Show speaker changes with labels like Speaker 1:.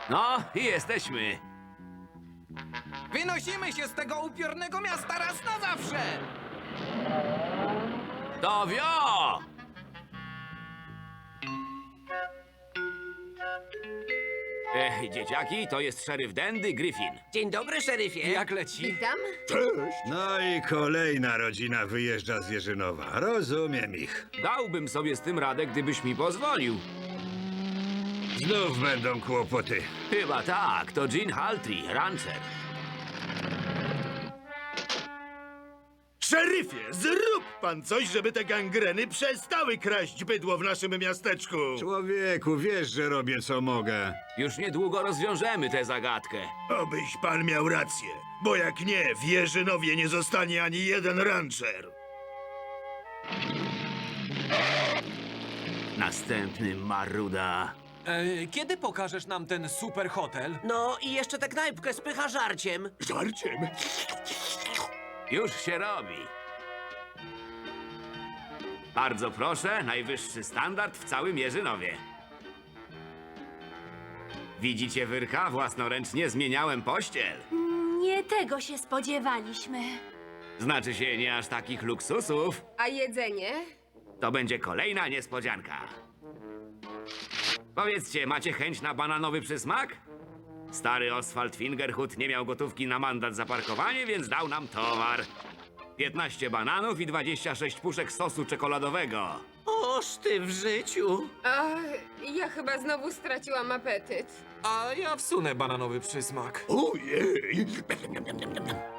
Speaker 1: No i jesteśmy.
Speaker 2: Wynosimy się z tego upiornego miasta raz na zawsze!
Speaker 1: To wio! Dzieciaki, to jest szeryf Dendy Griffin.
Speaker 3: Dzień dobry, szeryfie.
Speaker 2: Jak leci?
Speaker 4: Witam.
Speaker 5: No i kolejna rodzina wyjeżdża z Jerzynowa. Rozumiem ich.
Speaker 1: Dałbym sobie z tym radę, gdybyś mi pozwolił.
Speaker 5: Znów będą kłopoty.
Speaker 1: Chyba tak, to Gene Haltry, rancher.
Speaker 6: Szeryfie, zrób pan coś, żeby te gangreny przestały kraść bydło w naszym miasteczku.
Speaker 5: Człowieku, wiesz, że robię co mogę.
Speaker 1: Już niedługo rozwiążemy tę zagadkę.
Speaker 6: Obyś pan miał rację, bo jak nie, w Jerzynowie nie zostanie ani jeden rancher.
Speaker 1: Następny maruda.
Speaker 2: Kiedy pokażesz nam ten super hotel?
Speaker 3: No i jeszcze tę knajpkę spycha żarciem.
Speaker 6: Żarciem?
Speaker 1: Już się robi. Bardzo proszę, najwyższy standard w całym Jerzynowie. Widzicie wyrka? Własnoręcznie zmieniałem pościel.
Speaker 7: Nie tego się spodziewaliśmy.
Speaker 1: Znaczy się nie aż takich luksusów.
Speaker 4: A jedzenie?
Speaker 1: To będzie kolejna niespodzianka. Powiedzcie, macie chęć na bananowy przysmak? Stary Oswald Fingerhut nie miał gotówki na mandat za parkowanie, więc dał nam towar. 15 bananów i 26 puszek sosu czekoladowego.
Speaker 3: Oż ty w życiu.
Speaker 4: A, ja chyba znowu straciłam apetyt.
Speaker 2: A ja wsunę bananowy przysmak.
Speaker 6: Ojej!